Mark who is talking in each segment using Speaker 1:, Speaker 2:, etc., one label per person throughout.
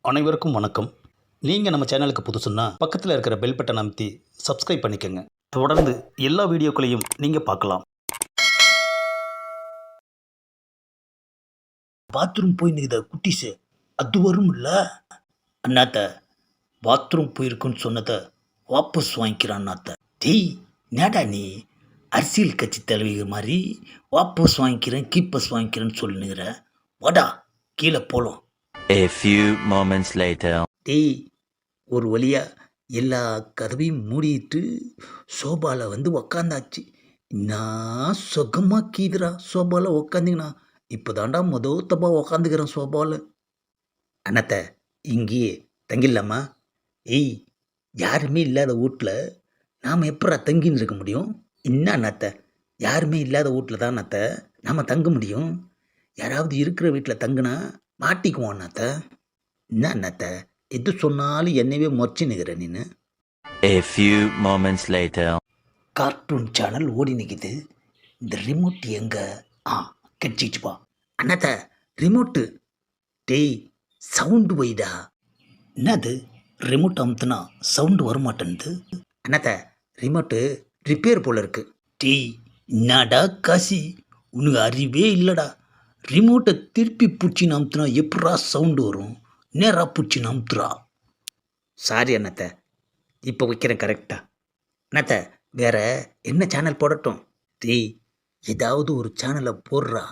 Speaker 1: அனைவருக்கும் வணக்கம். நீங்கள் நம்ம சேனலுக்கு புதுசுன்னா பக்கத்தில் இருக்கிற பெல் பட்டன் அமைத்தி சப்ஸ்கிரைப் பண்ணிக்கோங்க. தொடர்ந்து எல்லா வீடியோக்களையும் நீங்கள் பார்க்கலாம். பாத்ரூம் போய் நிற்கிற குட்டிஸு அது வரும்ல அண்ணாத்த. பாத்ரூம் போயிருக்குன்னு சொன்னதை வாபஸ் வாங்கிக்கிறான் அண்ணாத்த. டேய் நேடா நீ அரசியல் கட்சி தலைவிகள் மாதிரி வாபஸ் வாங்கிக்கிறேன் கீப்பஸ் வாங்கிக்கிறேன்னு சொல்லுங்கிற. வாடா கீழே போகலாம்.
Speaker 2: A few moments later.
Speaker 1: டேய் ஒரு வழியா எல்லா கதவையும் மூடிட்டு சோபாவில் வந்து உக்காந்தாச்சு. நான் சுகமாக கீதுரா சோபாவில் உக்காந்திங்கண்ணா. இப்போ தாண்டா மொதல் தப்பா உக்காந்துக்கிறேன் சோபாவில். அண்ணாத்த இங்கேயே தங்கிடலாமா? ஏய் யாருமே இல்லாத வீட்டில் நாம் எப்படா தங்கின்னு இருக்க முடியும்? என்ன அண்ணாத்த, யாருமே இல்லாத வீட்டில் தான் அண்ணாத்த நாம் தங்க முடியும். யாராவது இருக்கிற வீட்டில் தங்குனா மாட்டிக்குவோம் அண்ணாத்த. என்ன அண்ணாத்த எது சொன்னாலும் என்னவே முறைச்சி நிற்கிற நீನು.
Speaker 2: A few moments later.
Speaker 1: Cartoon channel ஓடி நிற்கிது. இந்த ரிமோட் எங்கே? கிடச்சிச்சுப்பா. அண்ணாத்த ரிமோட்டு. டேய் சவுண்டு வைடா. என்னது ரிமோட் அமுத்துனா சவுண்டு வரமாட்டேன்து. அண்ணாத்த ரிமோட்டு ரிப்பேர் போல இருக்கு. டேய் என்னடா காசி உனக்கு அறிவே இல்லைடா. ரிமோட்டை திருப்பி பிடிச்சின்னு அமுத்துனா எப்படா சவுண்டு வரும்? நேராக பிடிச்சின்னு அமுத்துறா. சாரி அண்ணாத்த, இப்போ வைக்கிறேன் கரெக்டா. அண்ணாத்த வேற என்ன சேனல் போடட்டும்? டேய் ஏதாவது ஒரு சேனலை போடுறா.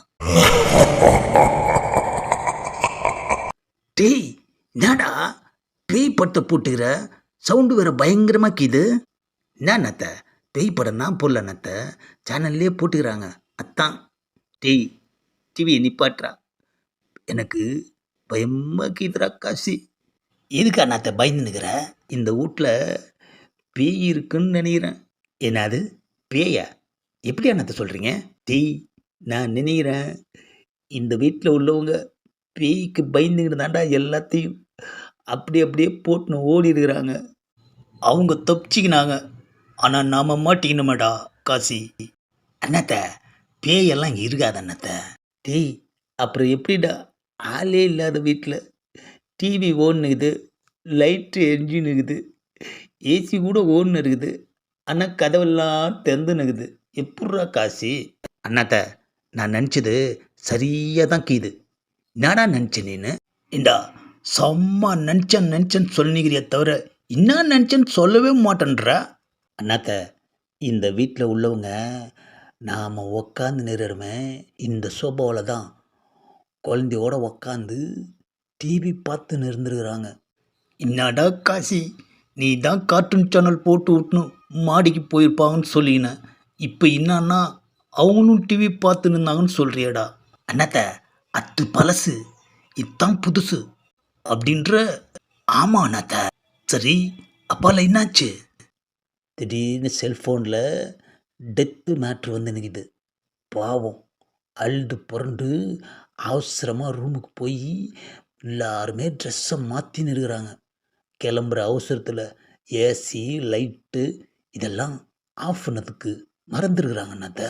Speaker 1: டேய் என்னடா பேய் படத்தை போட்டுக்கிற? சவுண்டு வேற பயங்கரமாக கீது. என்ன அண்ணாத்த பேய் படம் தான் போடல அண்ணாத்த, சேனல்லே போட்டுக்கிறாங்க அத்தான். டேய் டிவியை நிப்பாட்டுறா, எனக்கு பயமாக கீதுரா காசி. எதுக்கு அண்ணாத்த பயந்து நிற்கிற? இந்த வீட்டில் பேய் இருக்குன்னு நினைக்கிறேன். என்னது பேயா? எப்படி அண்ணாத்த சொல்கிறீங்க? டேய் நான் நினைக்கிறேன் இந்த வீட்டில் உள்ளவங்க பேய்க்கு பயந்துக்கிட்டு தாண்டா எல்லாத்தையும் அப்படியே போட்டுன்னு ஓடி இருக்கிறாங்க. அவங்க தப்பிச்சிக்கினாங்க, ஆனால் நாம் மாட்டிக்கணுமாடா காசி. அண்ணாத்த பேயெல்லாம் இங்கே இருக்காது அண்ணாத்த. டேய் அப்புறம் எப்படிடா ஆளே இல்லாத வீட்டில் டிவி ஓடுனுக்குது, லைட்டு எரிஞ்சுன்னுக்குது, ஏசி கூட ஓடுன்னு இருக்குது, ஆனால் கதவெல்லாம் திறந்துன்னுக்குது. எப்பட்றா காசி? அண்ணாத்த நான் நினச்சது சரியாக தான் கீது. என்னடா நினச்ச நீனு? இந்தா செம்ம நினச்சேன்னு சொல்லிக்கிறிய தவிர என்ன நினச்சேன்னு சொல்லவே மாட்டேன்றா. அண்ணாத்த இந்த வீட்டில் உள்ளவங்க நாம் உக்காந்து நிறுறமே இந்த சோபாவில் தான் குழந்தையோட உக்காந்து டிவி பார்த்து இருந்துருக்குறாங்க. என்னடா காசி நீ தான் கார்ட்டூன் சேனல் போட்டு விட்டணும் மாடிக்கு போயிருப்பாங்கன்னு சொல்லினேன். இப்போ என்னன்னா அவங்களும் டிவி பார்த்து நின்னாங்கன்னு சொல்கிறியடா. அண்ணாத்த அது பழசு, இதுதான் புதுசு அப்படின்ற. ஆமாம் அண்ணாத்த. சரி அப்பால என்னாச்சு? திடீர்னு செல்ஃபோனில் டெத்து மேட்ரு வந்து நிற்கிது. பாவம் அழுது புரண்டு அவசரமாக ரூமுக்கு போய் எல்லாருமே ட்ரெஸ்ஸை மாற்றின்னு இருக்கிறாங்க. கிளம்புற அவசரத்தில் ஏசி லைட்டு இதெல்லாம் ஆஃப் பண்ணதுக்கு மறந்துருக்குறாங்க அண்ணாத்த.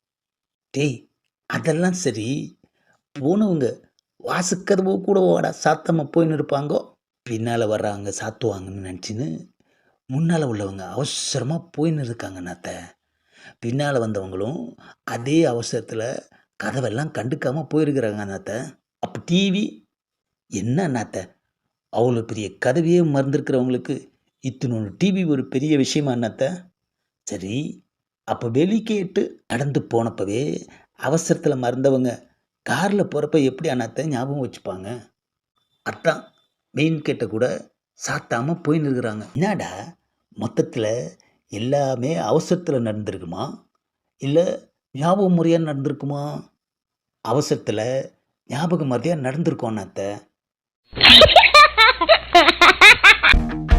Speaker 1: டேய் அதெல்லாம் சரி, போனவங்க வாசுக்கதவு கூட வாடா சாத்தமாக போயின்னு இருப்பாங்கோ. பின்னால் வர்றாங்க சாத்துவாங்கன்னு நினச்சின்னு முன்னால் உள்ளவங்க அவசரமாக போயின்னு இருக்காங்க அண்ணாத்த. பின்னால் வந்தவங்களும் அதே அவசரத்தில் கதவெல்லாம் கண்டுக்காமல் போயிருக்கிறாங்க அண்ணாத்த. அப்போ டிவி என்ன அண்ணாத்த, அவ்வளோ பெரிய கதவையே மறந்துருக்கிறவங்களுக்கு இத்தினொன்று டிவி ஒரு பெரிய விஷயமா அண்ணாத்த? சரி அப்போ வெளிக்கேட்டு நடந்து போனப்பவே அவசரத்தில் மறந்தவங்க காரில் போகிறப்ப எப்படி அண்ணாத்த ஞாபகம் வச்சுப்பாங்க? அதான் மெயின் கேட்டை கூட சாத்தாமல் போயின்னு இருக்கிறாங்க. என்னடா மொத்தத்தில் எல்லாமே அவசரத்தில் நடந்திருக்குமா இல்லை ஞாபகம் முறையாக நடந்திருக்குமா? அவசரத்தில் ஞாபகம் மறையாக நடந்திருக்கோம் அண்ணாத்த.